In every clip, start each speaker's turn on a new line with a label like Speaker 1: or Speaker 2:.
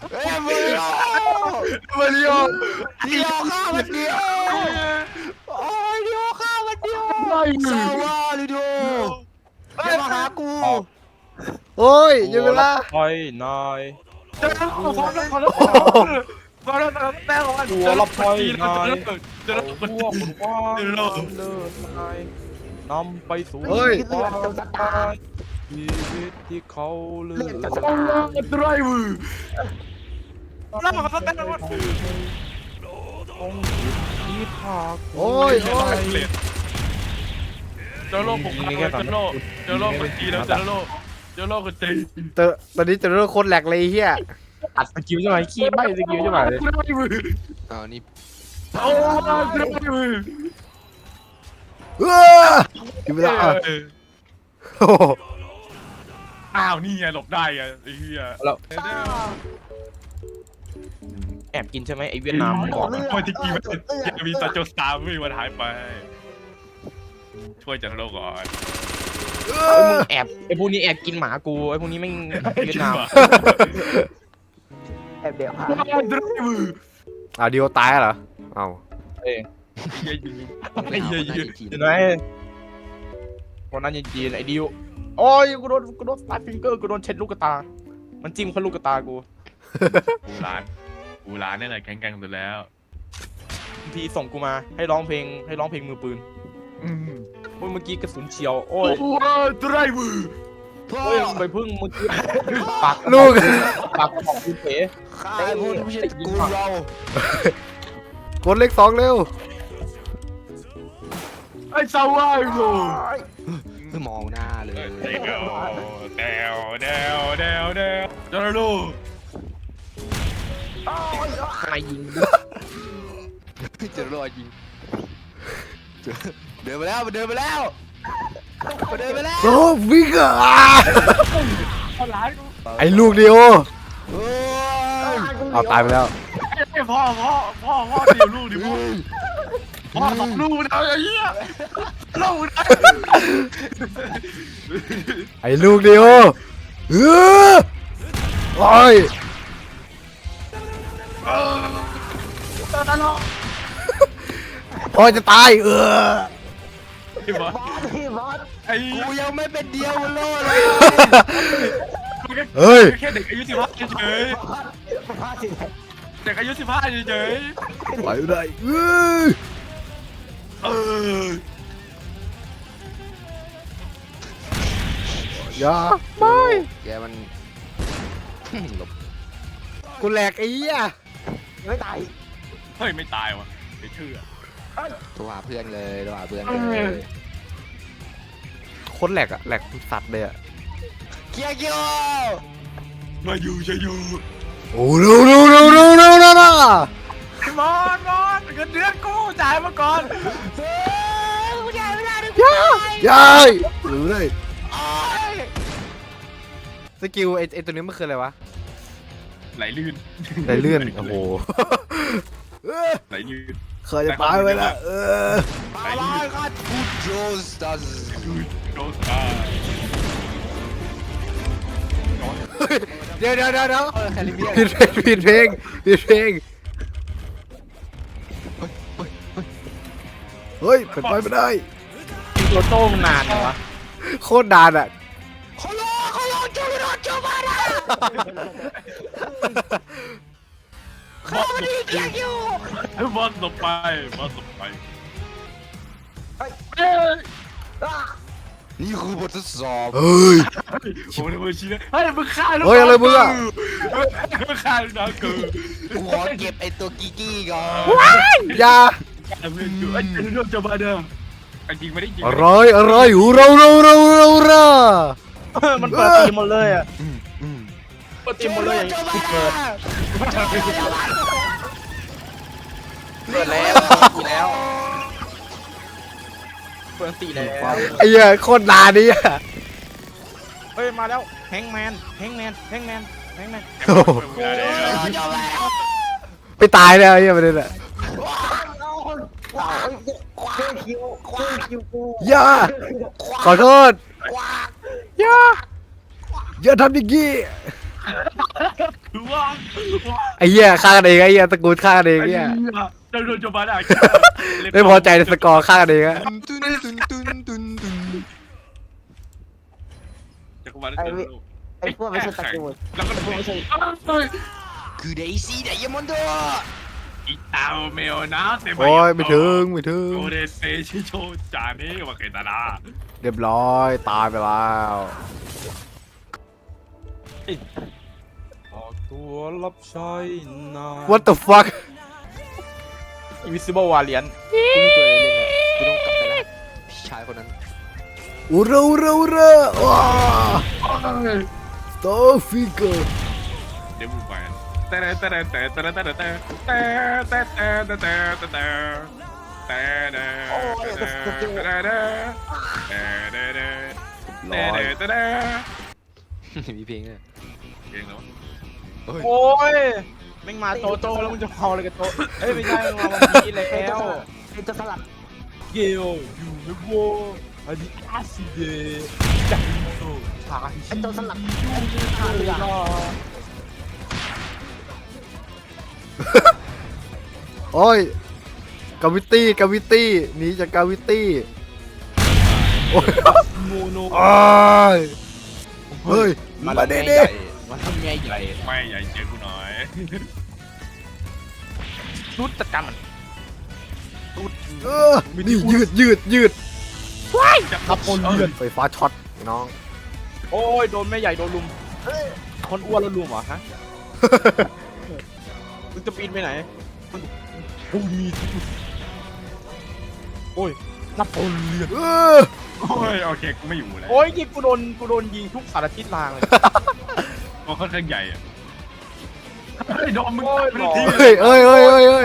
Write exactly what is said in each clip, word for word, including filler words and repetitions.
Speaker 1: เฮ้ยมาริโอมาริโอเดียวข้ามันเดียวโอ้ยเดียวข้ามันเดียวสวัสดีดูอย่ามาหากู
Speaker 2: โอ้ยยังเวลา
Speaker 3: คอยนาย
Speaker 4: เจอแล้วพร้อมแล้วพร้อมแล้วพร้อมแล้วแม่ของมัน
Speaker 3: หัวรับคอยนาย
Speaker 4: เจอแล้ว
Speaker 3: พวกคนว่าเดินนายนำไปสู่
Speaker 2: เฮ้ย
Speaker 3: ความตายชีวิตที่เขาเลือก
Speaker 4: ไดรเวอร์แล้วมันก็เต้นแล้ว
Speaker 3: ต้องที่ภาค
Speaker 2: โอ้ยโอ้ย
Speaker 4: เจอโลกผมเจอโลกเจอโลกคนจีนแล้วเจอโลกเจอโลกคนจีน
Speaker 2: เตอตอนนี้เจอเรื่องโคตรแหลกเลยเฮีย
Speaker 3: อัดสกิลใช่ไหมขี้ใบสกิลใช่ไหม
Speaker 4: ไดรเวอร์
Speaker 1: อ้าวนี่
Speaker 4: โอ้ไดรเวอร์
Speaker 2: เออยังเวลาโอ้
Speaker 4: อ้าวนี่ไงหลบได้ไงไอ้เหี้ย
Speaker 3: แล้วแอบกินใช่ไหมไอเวียดนามบอก
Speaker 4: โอ้ยที่กี้มันยังมีตาโจสตาร์ไม่มีวันหายไปช่วยจันโลกก่อน
Speaker 3: มึงแอบไอพวกนี้แอบกินหมากูไอพวกนี้ไม่เวียดนาม
Speaker 1: แอบเดี๋ยวหา
Speaker 4: ไดรเวอร์
Speaker 2: อ้าวดิโอตายเหรอเอ้า
Speaker 3: เอ้ย
Speaker 4: ไอ้ยิงไอ้ยิง
Speaker 3: เห็นไหมคนนั้นยังจีนไอ้ดิวโอ้ยกูโดนกูโดนสตาร์ฟิงเกอร์กูโดนเช็ดลูกตา มันจิ้มเข้าลูกตากู
Speaker 4: กูร้านกูร้านนี่แหละแข็งแกร่งสุดแล้ว
Speaker 3: ทีส่งกูมาให้ร้องเพลงให้ร้องเพลงมือปืนโอ้ยเมื่อกี้กระสุนเฉียวโอ้ย
Speaker 4: โอ้ยไดรเวอร์
Speaker 1: พ่อ
Speaker 3: โอ้ยมึงไปพึ่งเมื่อกี้ปาก
Speaker 2: ลูก
Speaker 3: ปากของกูเป๋
Speaker 1: ข้าไอ้พวกนี้ไม่ใช่กูเรา
Speaker 2: กดเลขสองเร็ว
Speaker 4: ไอ้สาวไอ้โง่
Speaker 1: มองหน้าเลย
Speaker 4: เดวเดวเดวเดวเดวจันโลก
Speaker 3: ใครยิง
Speaker 1: เจอรอยยิงเดินไปแล้วมันเดินไปแล้วมันเดินไปแล้ว
Speaker 2: โอ้วิ่งอ่ะ
Speaker 4: คนร้ายกู
Speaker 2: ไอ้ลูกดิโอ
Speaker 1: โอ้ย
Speaker 2: เอาตายไปแล้ว
Speaker 4: ไอ้พ่อพ่อพ่อพ่อเดียวลูกดิพ่อพ่อสองลูกนะไอ้เหี้ยลูกนะ
Speaker 2: ไอ้ลูกดิโอเออโอ้ย
Speaker 4: จันโลก
Speaker 2: โอ้ยจะตายเออ
Speaker 4: ไอ้บอสไอ้
Speaker 1: กูยังไม่เป็นเดียวโลเลย
Speaker 2: เฮ้ย
Speaker 4: แค่เด็กอายุสิบห้าเฉยเด็กอายุสิบห้าเฉย
Speaker 2: ไปไม่ได้เออ
Speaker 4: เออ
Speaker 2: อย่าไม่
Speaker 1: แกมันหลบ
Speaker 2: กูแหลกไอ้เหี้ย
Speaker 1: ไม่ตาย
Speaker 4: เฮ้ยไม่ตายวะไม่เชื่อ
Speaker 1: โทรหาเพื่อนเลยโทรหาเพื่อนเลย
Speaker 2: โคตรแหลกอะแหลกสัตว์เลยอะ
Speaker 1: เกียร์เกียว
Speaker 4: มาอยู่จะอยู่
Speaker 2: โอ้โหโน้โน้โน้โน้โน้โน้
Speaker 4: มอนมอนเงินเดือนกูจ่ายมาก่อน
Speaker 2: ยายายหรือเลยสกิลไอ้ไอ้ตัวนี้มันคืออะไรวะ
Speaker 4: ไหลลื่น
Speaker 2: ไหลเลื่อนโอ้โห
Speaker 4: ไหลลื่น
Speaker 2: เคยจะตายไปแล้วเออ
Speaker 1: อะไรกันกูโจสตัส
Speaker 4: โดนตาย
Speaker 2: เดี๋ยวเดี๋ยวเดี๋ยวเดี๋ยว
Speaker 1: แคริเบียน
Speaker 2: ผิดเพลงผิดเพลงผิดเพลงเฮ้ยเป็นไปไม่ได้
Speaker 3: โรโต้มันนานเหรอวะ
Speaker 2: โคตรนานอ่ะ
Speaker 1: โคโลโคโลจูโรจูมาดา
Speaker 4: บอสหลบอยู่บอสหลบไปบอสหลบไปเฮ้ย
Speaker 1: นี่คือบททดสอบ
Speaker 2: เฮ้ย
Speaker 4: โอ้ยมือชี้เลยเฮ้ยมึงฆ่าลูก
Speaker 2: เฮ้ยอะไรมึงอะ
Speaker 4: มึงฆ่าลูกน้องกู
Speaker 1: กูขอเก็บไอ้ตัวกิกกี้ก่อน
Speaker 2: อย่า
Speaker 4: ไอ้เพื่อนกูไอ้เจ้าลูกจะมาเดิมไอ้จริงไม่ได้จริง
Speaker 2: อะไรอะไรหูเราเราเราเราเรา
Speaker 3: มันเปิดทีมหมดเลยอ่ะเปิดทีมหมดเลยอย่างนี้เปิดเปิดแล้วเปิดแล้วเปิดตีแล้ว
Speaker 2: ไอ้เหี้ยโคตรนานนี่อะ
Speaker 3: เฮ้ยมาแล้วแฮงแมนแฮงแมนแฮงแมนแฮงแมน
Speaker 2: โอ้โหไปตายแล้วไอ้เหี้ยประเด็นอะอย่าขอโทษอย่าอย่าทำอย่างงี้
Speaker 4: คือว่า
Speaker 2: ไอ้เหี้ยฆ่ากันเองไอ้เหี้ยตระกูลฆ่ากันเอง
Speaker 4: ไอ้
Speaker 2: เหี้
Speaker 4: เหี้
Speaker 2: ย
Speaker 4: ยเราโดนจะมาได้
Speaker 2: ไม่พอใจในสกอร์ฆ่ากันเองอะ
Speaker 1: ตุนตุนตุนตุนตุนตุน
Speaker 4: จะมาได้
Speaker 5: ไอ้พวกไม่ใช่ตระกูล
Speaker 4: แล้วก็
Speaker 5: พวกไม่ใช่
Speaker 1: คือเดซี่ไดยมอนโด
Speaker 4: อีตาเมลนะเต็ม
Speaker 2: โอ้ยไม่ถึงไม่ถึง
Speaker 4: โอเดเซชิโชจานี่ว่าเกตาดา
Speaker 2: เรียบร้อยตายไปแล้ว
Speaker 3: ออกตัวรับใช้นาย
Speaker 2: What the fuck
Speaker 3: Invisible Variant
Speaker 1: กูมีตัวอะไรเล่นอ่ะกูต้องกลับไปแล้วพี่ชายคนนั้น
Speaker 2: อุระอุระอุระว้า Star Figure
Speaker 4: เดี๋ยวมึงไปแต่แต่แต่แต่แต่แต่แต่แต่แต่แต่แต่แต่แต่แต่แต่แต่แต่แต่
Speaker 1: มีเพลงเลย
Speaker 4: เองแล้ว
Speaker 3: โอ้ยแม่งมาโตโตแล้วมึงจะเผาอะไรกับโตเอ้ยไม่ใช่มึงมาวันนี้แล้ว
Speaker 5: เป็นจะสลับ
Speaker 3: เกลอยู่ในโวอันนี้อาซิเดจังโตชา
Speaker 5: ไอ้ตัวสลับไอ้ที่ขาเรือ
Speaker 2: โอ้ยกาวิตี้กาวิตี้หนีจากกาวิตี้โอ้ย
Speaker 3: โมโน
Speaker 2: โอ้ยเฮ้ย
Speaker 3: มา
Speaker 2: มา
Speaker 3: เด้
Speaker 2: เด้
Speaker 3: เด้
Speaker 2: เด้
Speaker 3: มาทำไงใหญ่
Speaker 4: ไม่ใหญ่เจอกูหน่อย
Speaker 3: ชุดจัดการมัน
Speaker 2: เออนี่ยืดยืดยืด
Speaker 4: จะ
Speaker 3: ขับคนเลือด
Speaker 2: ไฟฟ้าช็อตน้อง
Speaker 3: โอ้ยโดนแม่ใหญ่โดนลุมคนอ้วนแล้วลุมเหรอฮะมึงจะปีนไปไหนโอ้ยมีโอ้ยนับโอนเลือด
Speaker 2: เออ
Speaker 4: โอ้ยโอเคกูไม่อยู่แล้ว
Speaker 3: โอ้ยยิงกูโดนกูโดนยิงทุกสารทิศทางเลย
Speaker 4: มันค่อนข้างใหญ่อะเฮ้ยดอมมึงตายไปที
Speaker 2: เฮ้ยเอ้ยเอ้ยเอ้ยเอ้ย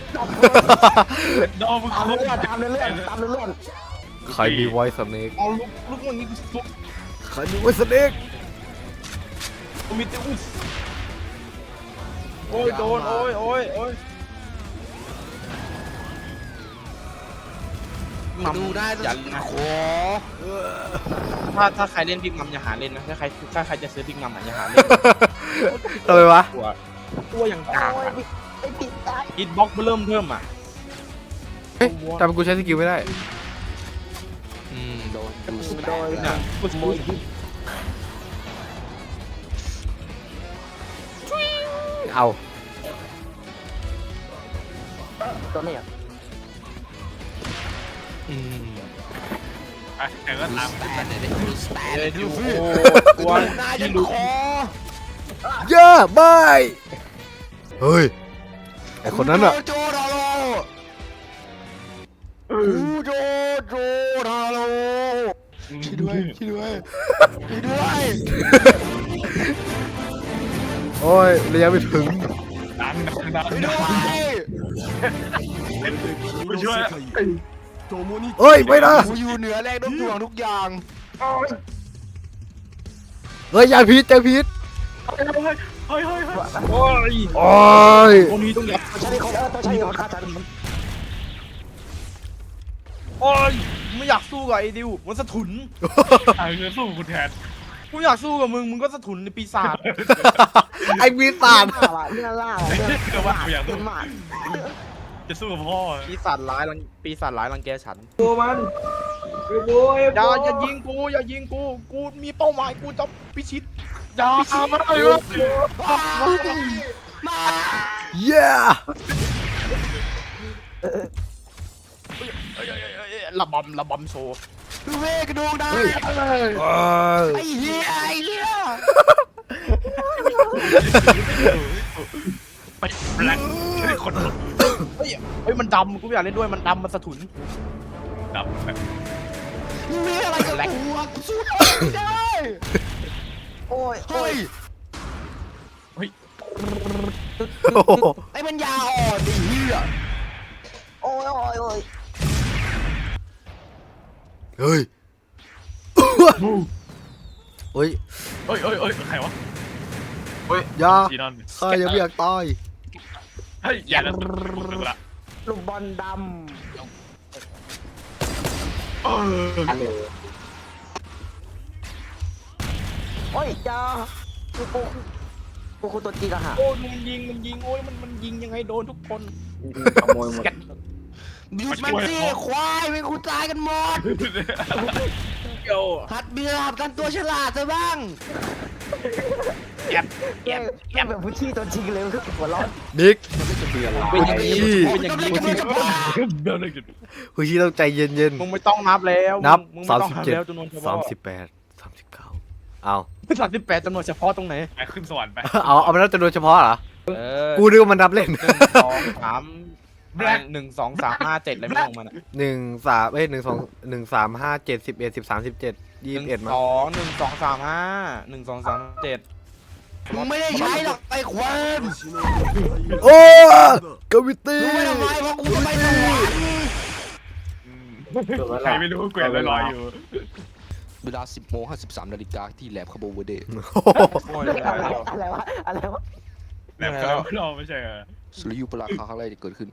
Speaker 4: ดอมมึง
Speaker 5: ตาม
Speaker 4: โค
Speaker 5: เรื่
Speaker 4: ต
Speaker 5: อ
Speaker 4: รง
Speaker 5: ตามเรื่องตามเรื่อง
Speaker 2: ใครมีไวสเนก
Speaker 3: เอาลุกลุกอย่างนี้กูลุก
Speaker 2: ใครมีไวสเนก
Speaker 3: กูมีแต่อุ้ยโอ้ยโดนโอ้ยโอ้ยโอ้ย
Speaker 1: ดูได้
Speaker 3: อย่า
Speaker 1: นะ
Speaker 3: นะ
Speaker 1: ขอ
Speaker 3: ถ้าถ้าใครเล่นพิกมัมอย่าหาเล่นนะถ้าใครถ้าใครจะซื้อพิกมัมอย่าหาเล่น
Speaker 2: ทำไมวะ
Speaker 3: ตัวตัวอย่างกลาง
Speaker 5: โอ้ยไอ้ปิดตาย
Speaker 3: ฮิตบ็อกเริ่มเพิ่มอ่ะ
Speaker 2: เฮ้ยทำไมกูใช้สกิลไม่ได้
Speaker 1: อืมโดนดูส
Speaker 5: โดย
Speaker 3: เนี่ยกู
Speaker 5: โมยยิบ
Speaker 2: เอา
Speaker 5: ตัวนี้อ่ะ
Speaker 1: อืม
Speaker 4: อ่ะแต่ก็ตาม
Speaker 1: แต่เนี่ยดูสแตน
Speaker 3: เอ้ย
Speaker 1: ดู
Speaker 3: ดู
Speaker 1: ฟิ
Speaker 3: โอ้
Speaker 1: ดู
Speaker 3: ตัว
Speaker 1: หน้ายั
Speaker 3: ที่
Speaker 1: น
Speaker 3: รู้
Speaker 1: คอ
Speaker 2: เยอะบายเฮ้ยไอคนนั้นอะ
Speaker 1: โจดาโลอูโจโจดาโลช่วยด้วยช่วยด้วยช่วยด้วย
Speaker 2: โอ้ยระยะไม่ถึง
Speaker 4: ดันดันดัน
Speaker 1: ช่วยด้วย
Speaker 4: กูช่วย
Speaker 2: เฮ้ยไม่นะ
Speaker 1: กูอยู่เหนือแรงโน้มถ่วงทุกอย่าง
Speaker 2: เฮ้ยยาพิษยาพิษ
Speaker 4: เฮ้ยเฮ้ยเฮ้ยเฮ้ย
Speaker 3: โอ้ย
Speaker 2: โอ้ย
Speaker 3: คนนี้ต้องยับ
Speaker 5: ตัวใช้คนเออตัวใช้คนฆ่าฉัน
Speaker 3: โอ้ยไม่อยากสู้กับไอ้ดิวมันสะทุน
Speaker 4: ตายเงินสู้กูแทน
Speaker 3: กูอยากสู้กับมึงมึงก็สะทุนในปีศาจ
Speaker 2: ไอปีศาจ
Speaker 5: ล่าว่ะเรื่องล่าว่ะเรื่อง
Speaker 4: ก็ว่ากูอยาก
Speaker 5: เป็
Speaker 4: สู้
Speaker 5: นหมา
Speaker 4: จะสู้กับพ่อ
Speaker 3: ปีศาจร้ายรังปีศาจร้ายรังแกฉัน
Speaker 5: ตัวมันโอ้ย
Speaker 3: อย่าอย่ายิงกูอย่ายิงกูกูมีเป้าหมายกูจะพิชิต
Speaker 4: อย่ามาเลยวะ
Speaker 2: เย้
Speaker 3: เอ้ยเอ้ยเอ้ยเอ้ยระบำระบำโชว์
Speaker 1: ดูเวกระดูกได้
Speaker 2: โอ้ย
Speaker 1: ไอ้เหี้ยไอ้เหี้ย
Speaker 4: ไปแบล็คใช่คน
Speaker 3: เฮ้ยเฮ้ยมันดำกูไม่อยากเล่นด้วยมันดำมันสะทุน
Speaker 4: ดับแบบ
Speaker 1: มีอะไรกับกูอะกูสู้ไม่ได้
Speaker 5: โอ้ยโอ้
Speaker 1: เฮ้
Speaker 5: ย
Speaker 1: ย
Speaker 2: โอ้โห
Speaker 1: ไอ้มันยาอ่อนไอ้เหี้ย
Speaker 5: โอ้ยโอ้ยโอ้ย
Speaker 2: เฮ้ยเฮ้ย
Speaker 4: เอ้ยเอ้ยเอ้ยใครวะ
Speaker 2: อยา
Speaker 4: จีนอน
Speaker 2: ข้ายังไม่อยากตาย
Speaker 4: เฮ้ยอย่าละละ
Speaker 5: ลูกบอลด
Speaker 4: เออ
Speaker 5: ำโอ้ยจ้าลูกโป่งกูกูตัวจีกะหะ
Speaker 3: โอ้ยมันยิงมันยิงโอ้ยมันมันยิงยังไงโดนทุกคน
Speaker 5: ขโมยหมด
Speaker 1: หยุดมันสิควายเป็นกูตายกันหมด
Speaker 3: เดี๋ยว
Speaker 1: หัดเบียร์กันตัวฉลาดซะบ้าง
Speaker 3: แอบแอ
Speaker 5: แย่
Speaker 3: บแอ
Speaker 5: แย่
Speaker 3: บ
Speaker 5: แบบผู้ชี้ตัวจริงเลยคือหัวร้อน
Speaker 2: นิก
Speaker 3: เป็นอย่างนี้
Speaker 2: ขี้
Speaker 3: เป็นอย่างนี้
Speaker 1: กำลังจะบ้า
Speaker 4: เดินเลยจุด
Speaker 2: คุณชีต้องใจเย็น
Speaker 3: มึงไม่ต้องนับแล้ว
Speaker 2: นับ
Speaker 3: มึง
Speaker 2: สาม
Speaker 3: ไต้อง
Speaker 2: สิบ
Speaker 3: นั
Speaker 2: เจ็ด
Speaker 3: แล้วจำนวนเฉ
Speaker 2: สาม
Speaker 3: พาะ
Speaker 2: สิบแปดสามสิบเก้าเอา
Speaker 3: สามสิบแปดจำนวนเฉพาะตรงไหน
Speaker 4: ไปขึ้นสวรรค์ไป
Speaker 2: เอาเอาไปแล้วจำนวนเฉพาะเหรอ
Speaker 3: เออ
Speaker 2: กูนึกว่ามันนับเล่น
Speaker 3: หนึ่งสองสามหนึ่งสองสามห้าเจ็ดอะไรไม่ลงมันอะ
Speaker 2: หนึ่งสามเอ้ยหนึ่งสองหนึ่งสามห้าเจ็ดสิบเอ็ดสิบสามสิบเจ็ดยี่
Speaker 3: ห
Speaker 2: สิบ
Speaker 3: นึ่
Speaker 2: เอ็ด
Speaker 3: ง
Speaker 2: มา
Speaker 3: สองหนึ่งสองสามห้าหนึ่งสองสามเจ็ด
Speaker 1: มึงไม่ได้ใช้หรอกไอ้ควาย
Speaker 2: โอ้กาวิตี้
Speaker 1: รู้ไหมทำไมเพราะกูจะไปสวรรค์
Speaker 4: ใครไม่รู้เกวียนลอยๆอยู่
Speaker 1: เวลาสิบโมงห้าสิบสามนาฬิกาที่แลบคาโบเวเดย์
Speaker 3: โอ้ย
Speaker 5: อะไรอะไรวะอะไรวะ
Speaker 4: แบบเขาเราไม่ใช่เหรอ
Speaker 1: สุริยุปราคาครั้งแรกที่เกิดขึ้น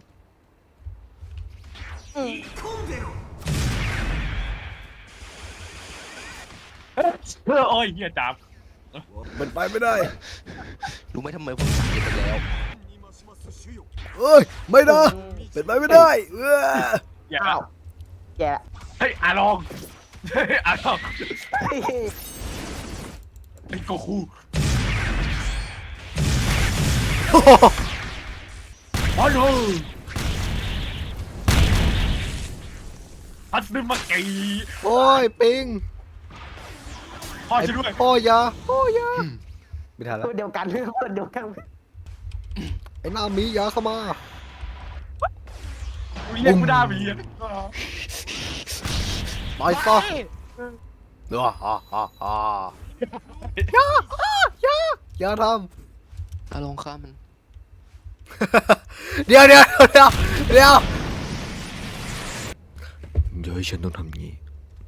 Speaker 4: โอ้ยเฮียจับ
Speaker 2: มันไปไม่ได้
Speaker 1: รู้ไหมทำไมผมสั่งเก็บไปแล้ว
Speaker 2: เอ้ยไม่นะเป็นไปไม่ได้เออ
Speaker 4: อย่า
Speaker 5: อ้าวแย่
Speaker 4: เฮ้ยอาลองเฮ้ยอาลอง
Speaker 5: เฮ้ย
Speaker 4: ไอ้โกคูอ๋อโนพัดนึกมาไก่
Speaker 2: โอ้ยปิง
Speaker 4: พ่อช่วยด้วย
Speaker 2: พ่อยาพ่อยาไม่ทันแล้ว
Speaker 5: คนเดียวกันคนเดียวกัน
Speaker 2: ไอ้หน้ามียาเข้ามา
Speaker 4: เรียกกูได้บีอ่ะ
Speaker 2: ตายซะเนาะฮ่าฮ่าฮ่าอย่าอย่าอย่าท
Speaker 1: ถ้าลองข้ามมัน
Speaker 2: ำ เดี๋ยวเดี๋ยวเดี๋ยวเดี๋ยวเดี๋ยวฉันต้องทำงี้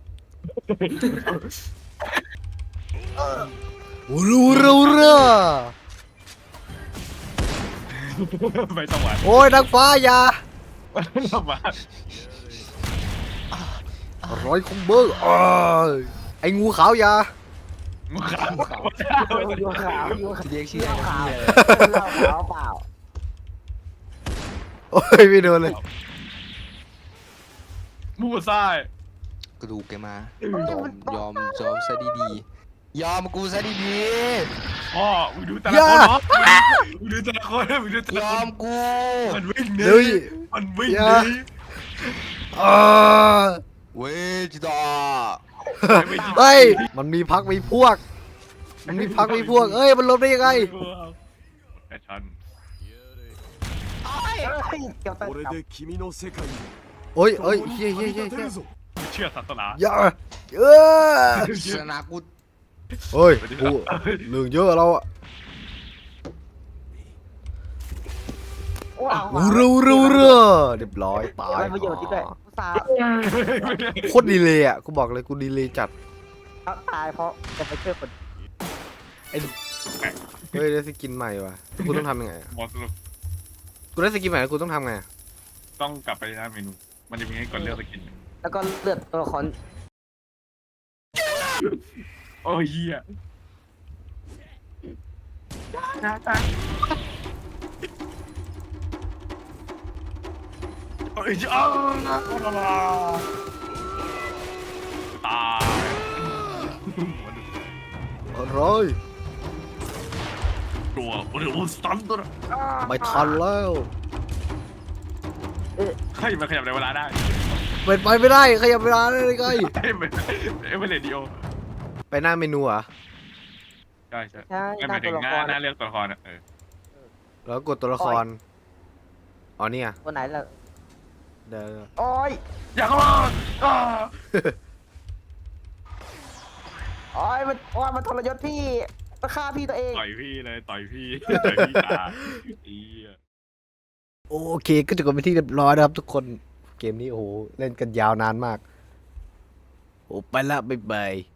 Speaker 2: อูรูรูรู
Speaker 4: ไปสวรรค์
Speaker 2: โอ้ยนักฟ้าอย่า
Speaker 4: ทำมา
Speaker 2: ร้อยคอมเบอร์อ้ายไอ้งูขาวอย่า
Speaker 4: มึงขาว
Speaker 5: ยูขาวยูขาว
Speaker 1: เรียกชื่อ
Speaker 5: ขาว
Speaker 1: อะไร
Speaker 5: เหล้าขาวเปล่า
Speaker 2: โอ้ยไม่โดนเลย
Speaker 4: มูซ่าย
Speaker 1: กระดูกแกมายอมยอมยอมซะดีๆยอมกูซะดี
Speaker 4: พ่อมึงดูแต่ละคนเนาะมึงดูแต่ละคนมึงดูแต่
Speaker 1: ๆย
Speaker 4: ละ
Speaker 1: อ
Speaker 4: คน
Speaker 1: มกู
Speaker 4: มันวิ่งหนี
Speaker 2: เดี๋ยว
Speaker 4: มันวิ่ง
Speaker 2: อ
Speaker 4: ห
Speaker 2: ย่า
Speaker 4: นี
Speaker 2: อ่า
Speaker 1: เวจิตา
Speaker 2: เฮ้ยมันมีพักมีพวก มันมีพักมีพวก เอ้ยมันลบได้ยังไง
Speaker 4: แฟชั่น
Speaker 5: เฮ้ยเกี่ยวกับ
Speaker 6: これで君の世界に
Speaker 2: โอ้ยเอ้ยเฮ้ยเฮ้ย
Speaker 6: 立
Speaker 2: เฮ้ย
Speaker 6: て
Speaker 2: เฮ้ย
Speaker 6: るぞ
Speaker 4: เชื่อศาสนา
Speaker 2: อย่าเออ
Speaker 1: ชนะกู
Speaker 2: เฮ้ยกูเรื่องเยอะเราอะ
Speaker 5: ว้าว
Speaker 2: อูรูรูรูเรียบร้อยตาย
Speaker 5: อะไรประโยชน์ที่ด้วยสาว
Speaker 2: โคตรดีเลยอ่ะกูบอกเลยกูดีเลยจัด
Speaker 5: ตายเพราะจะไปช่วยคน
Speaker 2: เฮ้ยได้สกินใหม่ว่ะกูต้องทำยังไงอะ
Speaker 4: หมอสรุป
Speaker 2: กูได้สกินใหม่แล้วกูต้องทำไงอะ
Speaker 4: ต้องกลับไปหน้าเมนู มันจะมีให้กดเลือกสกิน
Speaker 5: แล้วก็เลือดตัวละคร
Speaker 4: โอ้ยเฮียโอ้ยอ้าวตาย
Speaker 2: อะไร
Speaker 4: ตัวโอ้ยโอ้ยสตันตัวน่ะ
Speaker 2: ไม่ทันแล้ว
Speaker 4: ให้มันขยับในเวลาได้
Speaker 2: เป็นไปไม่ได้ขยับเวลาได้เลยไง
Speaker 4: เอ้ยมันเอ้ยมันเรดิโอ
Speaker 2: ไปหน้าเมนูเหรอ่ะ
Speaker 4: ใช่ใช่
Speaker 5: ใช่
Speaker 4: ไม่
Speaker 5: ห
Speaker 4: ห
Speaker 5: น้า
Speaker 4: มายถึ
Speaker 5: ตัว
Speaker 4: ง
Speaker 5: ละ
Speaker 4: ห
Speaker 5: ค
Speaker 4: น้าร หน้าเลือกตัวละครอ่ะเออ
Speaker 2: แล้วกดตัวละครอ๋อเนี่ย
Speaker 5: ตัวไหนล่ะ
Speaker 2: เดี๋ยว
Speaker 5: โอ้ย
Speaker 4: อย่าเข้ามาอ้า
Speaker 5: โอ้ยมันโอ้ยมันทรยศพี่มันฆ่าพี่ตัวเอง
Speaker 4: ต่อยพี่เลยต่อยพี่ต่อยพี่ตาอีอะ
Speaker 2: โอเคก็จบกันไปนที่เรียบร้อยนะครับทุกคนเกมนี้โอ้โหเล่นกันยาวนานมากโอ้ไปละบ๊ายบาย